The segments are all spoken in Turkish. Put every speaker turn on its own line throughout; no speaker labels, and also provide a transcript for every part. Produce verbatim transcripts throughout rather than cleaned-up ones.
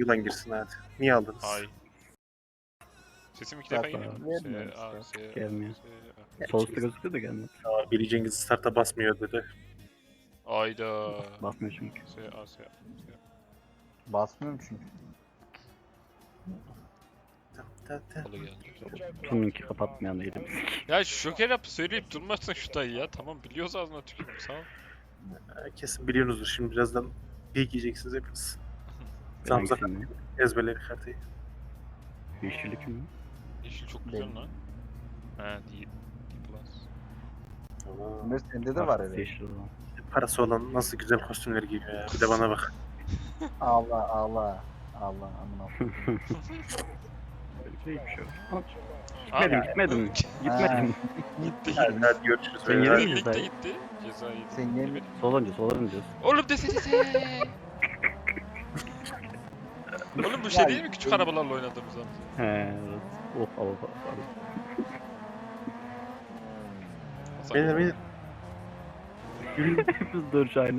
yılan girsin hadi. Niye aldınız?
Ay. Sesim iki defa geliyor mu?
Vermiyor
S, A,
işte.
S, A,
Gelmiyor.
S, A.
Sol üstte gözüküyor da gelmedi.
Aa, Billy Cengiz starta basmıyor dedi.
Ayda.
Basmıyor çünkü.
S, A, S, A.
Basmıyorum çünkü.
Ta ta.
Halı geldi.
Tununki kapatmayan değilim.
Ya şoker yap söyleyip durmazsın şu dayı ya. Tamam biliyoruz ağzına tükürüm sağ ol.
Kesin biliyorsunuzdur şimdi birazdan geyik yiyeceksiniz hepiniz.
Ben
Zamza
hangisini?
ezberleri haritayı.
Yeşillik mi?
Yeşil çok güzel lan. He D, D plus.
Ömer sende de var öyle.
Yeşil olan.
Parası olan nasıl güzel kostümler giyiyor ya. Bir de bana bak.
Allah Allah. Allah amına.
Öyle bir şey yok.
Abi,
Gitmedim, gitmedim. Gitmedim.
gitti
Hadi,
gitti.
hadi görüşürüz.
Sen
Hadi.
yere
Lig
gidiyorsun
de
dayı.
gitti. Ceza yedi.
Sen yeni
Sol önce, sol önce.
Oğlum desenize. Oğlum bu şey değil mi küçük arabalarla oynadığımız zaman?
He, evet. Oh, oh, oh, oh.
Beyler beyler.
Hepimiz dönüş aynı.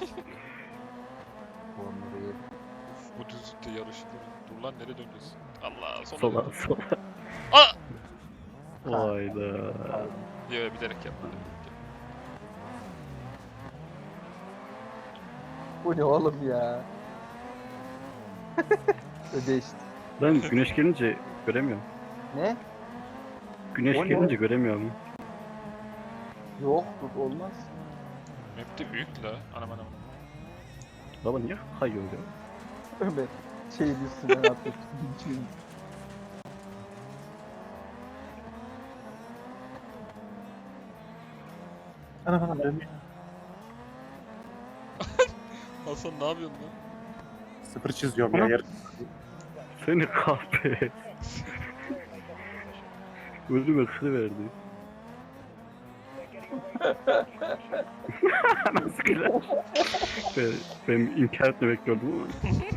Onları yedim.
Bu düzlükte yarışılır. Dur lan nereye döneceğiz? Allah sola.
Sola,
dön.
sola.
Aa!
Hayda.
Yo bilerek yapmadım.
Bu ne oğlum ya? Ödeşti.
Ben güneş gelince göremiyorum.
Ne?
Güneş
O ne?
gelince göremiyorum.
Yok bu olmaz.
Map de büyük la. Anam anam.
Baba niye kayıyor ya?
Ömer şeyin üstüne atıyor.
Ana bana dönüyor.
Hasan ne yapıyorsun lan?
Sıfır çiziyorum ya.
Ana.
Yarın.
Seni kahpe. Ölüme kırıverdi. Nasıl güzel. Ben, ben inkar etme bekliyordum ama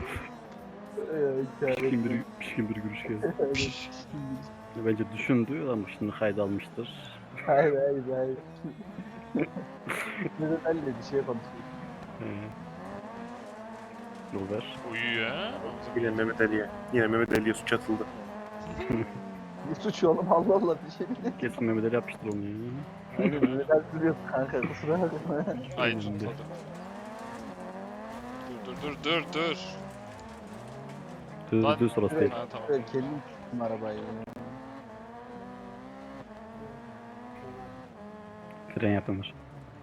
pişkin bir, pişkin bir gülüş geldi. Bence düşündü ama şimdi kayda almıştır.
Hayır hayır hayır. Neden öyle bir şey konuşuyor?
He. Yol ver.
Uyuyor ha.
Yine Mehmet Ali'ye. Yine Mehmet Ali'ye suç atıldı.
Ne suç oğlum Allah Allah bir şey bile.
Kesin Mehmet Ali yapmıştır onu ya.
Aynen neden duruyorsun kanka kusura bakma.
Ay
Önünde.
tutmadı. Dur dur dur dur dur.
Düz
Lan-
düz orası değil.
Ha tamam.
Böyle kendim tuttum arabayı.
Fren yapılır.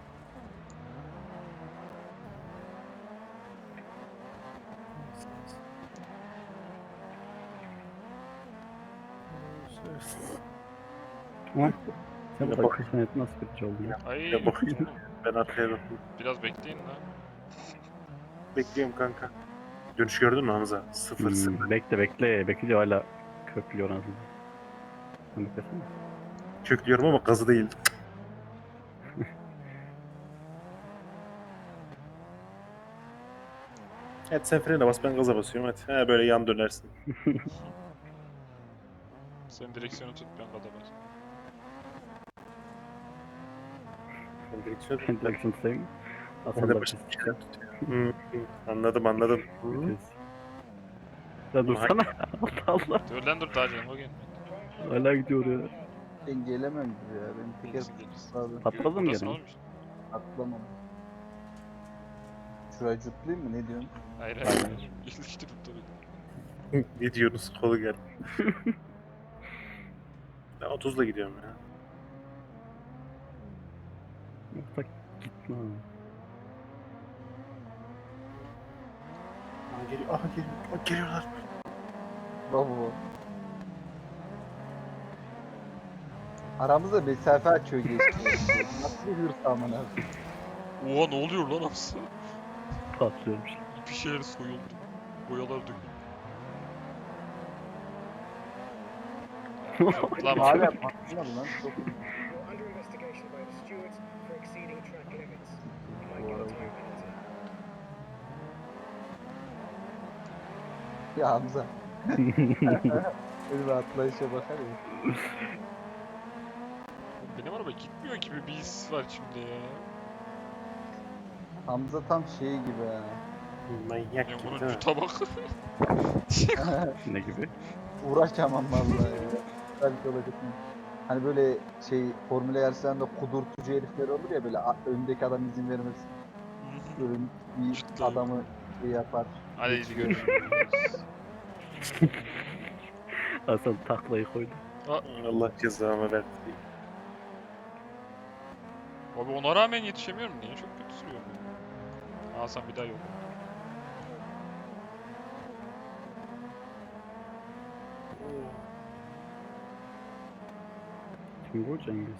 Ama sen
Ya
bu
bak.
dakika sanatı nasıl birinci oldun ya?
Ay.
Ya bakayım. Ben arkaya bakayım.
Biraz bekleyin lan.
Bekliyorum kanka. Dönüş gördün mü Hamza? Sıfır sıfır.
Hmm, bekle bekle. Bekliyor hala köklüyor anasını. Sen beklesene.
Köklüyorum ama gazı değil. Evet sen frene bas ben gaza basıyorum hadi. Ha böyle yan dönersin.
Sen direksiyonu tut ben gada bas.
Ben direksiyon
Ben direksiyon tutayım.
Ben
Hasan
de
da
başım
bir
çıkar. Hı, hı. Anladım anladım. Hı.
vites. Ya dursana. Allah Allah.
Dur lan dur daha canım o gelmedi.
Hala gidiyor ya.
Ben gelemem gibi ya. Benim teker
Nasıl gelirsin?
sağladım.
Patladı mı
Buradasın
gene?
oğlum işte.
Atlamam. Şurayı cutlayayım mı ne diyorsun?
Hayır hayır. İşte tuttu beni.
Ne diyorsunuz kolu gel. Ben otuzla gidiyorum ya.
Yoksa gitme.
Aha geliyor, aha geliyor, aha geliyorlar.
Bravo. Aramızda mesafe açıyor geçti. Nasıl bir hırs amına?
Oha ne oluyor lan Hamza?
Patlıyormuş.
Bir şeyler soyuldu. Boyalar döküldü. Yok lan
Hala patlamadı lan. Çok
You're under investigation by the stewards for exceeding track limits. You might get a time penalty.
ya Hamza. Öyle bir atlayışa bakar ya.
benim araba gitmiyor gibi bir his var şimdi ya.
Hamza tam şey gibi ha.
Manyak
Ya
gibi
bunun
değil mi?
cuta bak.
Ne gibi?
Uğraşamam vallahi ya. Belki olacak mı? Hani böyle şey Formula yarışlarında kudurtucu herifler olur ya böyle a- öndeki adam izin vermez. Böyle bir
Cidden.
adamı şey yapar.
Hadi
geçiyor.
görüşürüz.
Hasan taklayı koydu.
Allah cezamı verdi.
Abi ona rağmen yetişemiyorum. Niye çok kötü sürüyorum ya? Hasan bir daha yok.
Kim bu Cengiz?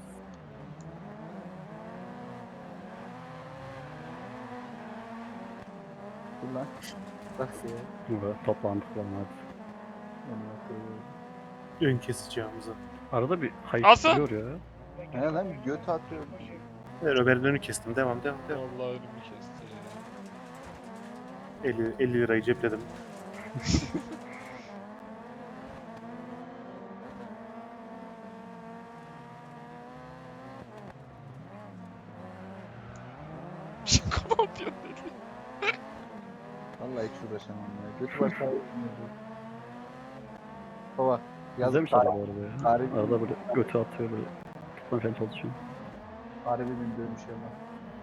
Dur lan. Bak ya.
Burada toplandık lan hadi.
Amına koyayım.
Ön kesici Hamza.
Arada bir
Hasan!
hayıflıyor ya.
He lan göt atıyor.
Ben Ömer'in önünü kestim. Devam devam devam.
Vallahi önümü kesti ya.
elli, elli lirayı cepledim.
Şaka mı yapıyorsun dedi.
Vallahi hiç uğraşamam ya. Götü baş ağrıyor. Baba.
Güzelmiş
Yazık
araba bu arada ya.
tarih-
Arada böyle götü atıyor böyle. Tutmaya falan çalışıyor.
Harbi bir dönüş ya lan.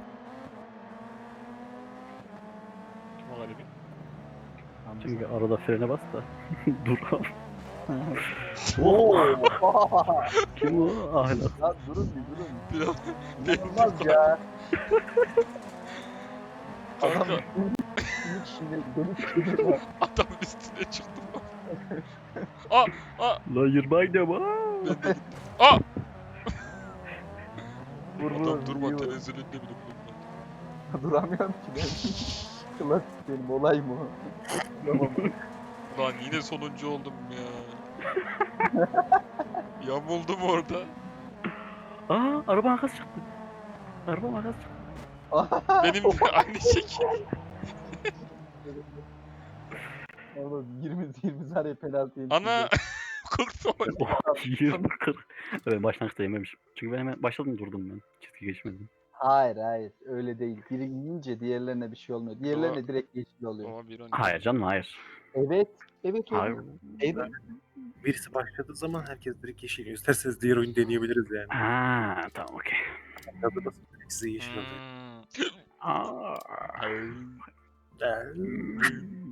Kim o galibi?
Çünkü arada frene bas da. Dur abi.
Oo.
Kim o? Ahlak.
Lan durun bir durun.
Biraz
İnanılmaz ya. Adam
Kanka
ilk şimdi dönüp geliyor.
adamın üstüne çıktım. Aa! Aa!
La yirmaydı ama.
Ben de gittim. Aa!
Vur vur.
Adam durma
iyi vur.
tenezzülünde bile bulunmadı.
Duramıyorum ki ben. Klasik benim olay mı? o? Tamam.
Lan yine sonuncu oldum ya. Yamuldum orada.
Aa araba arkası çıktı. Araba arkası çıktı.
Benim de aynı şekil.
Oğlum yirmi yirmi saniye penaltı yedim.
Ana! Korktum.
yirmi kırk. Evet başlangıçta yememişim. Çünkü ben hemen başladım durdum ben. Çizgi geçmedim.
Hayır hayır öyle değil. Biri yiyince diğerlerine bir şey olmuyor. Diğerlerine
Ama-
direkt yeşil oluyor.
Ama bir on.
Hayır canım hayır.
Evet. Evet
Hayır.
oğlum. Evet.
Birisi başladığı zaman herkes direkt yeşil. İsterseniz diğer oyunu deneyebiliriz yani.
Ha tamam okey.
Hazır basın. Size yeşil olacak.
Hmm.
Aa.
Ay.
Ee,